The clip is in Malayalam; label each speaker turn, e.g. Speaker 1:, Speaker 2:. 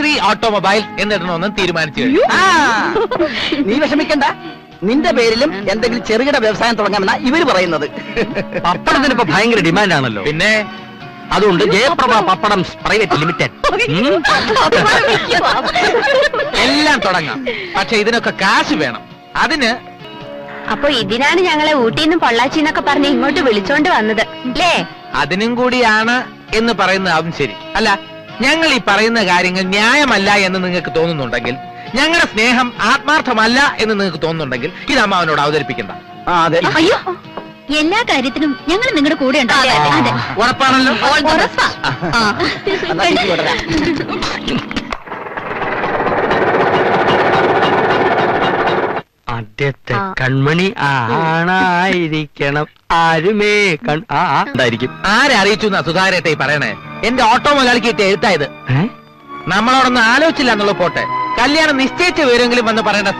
Speaker 1: ശ്രീ ഓട്ടോമൊബൈൽ എന്നിടണമെന്നും തീരുമാനിച്ചു കഴിഞ്ഞു.
Speaker 2: നീ വിഷമിക്കണ്ട, നിന്റെ പേരിലും എന്തെങ്കിലും ചെറുകിട വ്യവസായം തുടങ്ങാമെന്നാ ഇവര് പറയുന്നത്.
Speaker 3: പപ്പടത്തിന് ഇപ്പൊ ഭയങ്കര ഡിമാൻഡാണല്ലോ.
Speaker 1: പിന്നെ
Speaker 3: അതുകൊണ്ട് ജയപ്രഭ പപ്പടം പ്രൈവറ്റ് ലിമിറ്റഡ്
Speaker 1: എല്ലാം തുടങ്ങാം. പക്ഷെ ഇതിനൊക്കെ കാശ് വേണം. അതിന്
Speaker 4: അപ്പൊ ഇതിനാണ് ഞങ്ങളെ ഊട്ടിന്ന് പൊള്ളാച്ചിന്നൊക്കെ പറഞ്ഞ് ഇങ്ങോട്ട് വിളിച്ചോണ്ട് വന്നത് അല്ലേ?
Speaker 1: അതിനും കൂടിയാണ് എന്ന് പറയുന്നതാവും ശരി. അല്ല, ഞങ്ങൾ ഈ പറയുന്ന കാര്യങ്ങൾ ന്യായമല്ല എന്ന് നിങ്ങൾക്ക് തോന്നുന്നുണ്ടെങ്കിൽ, ഞങ്ങളുടെ സ്നേഹം ആത്മാർത്ഥമല്ല എന്ന് നിങ്ങൾക്ക് തോന്നുന്നുണ്ടെങ്കിൽ, ഇത് അമ്മാവനോട് അവതരിപ്പിക്കണ്ട.
Speaker 2: അതെ,
Speaker 4: അയ്യോ, എല്ലാ കാര്യത്തിനും ഞങ്ങൾ നിങ്ങളുടെ കൂടെ ഉണ്ടാവും.
Speaker 1: ഉറപ്പാണല്ലോ?
Speaker 2: എന്നാ തിരിച്ച് വിടരാം.
Speaker 3: ആദ്യത്തെ കൺമണി ആണായിരിക്കണം, ആരുമേ ഉണ്ടായിരിക്കും.
Speaker 1: ആരെ അറിയിച്ചു എന്നാ സുധാരേട്ടെ പറയണേ? എന്റെ ഓട്ടോ മുതലാളിക്ക് കിട്ടിയ എഴുത്തായത്. നമ്മളോടൊന്നും ആലോചിച്ചില്ല എന്നുള്ള പോട്ടെ, കല്യാണം നിശ്ചയിച്ച വിവരമെങ്കിലും വന്ന് പറയേണ്ട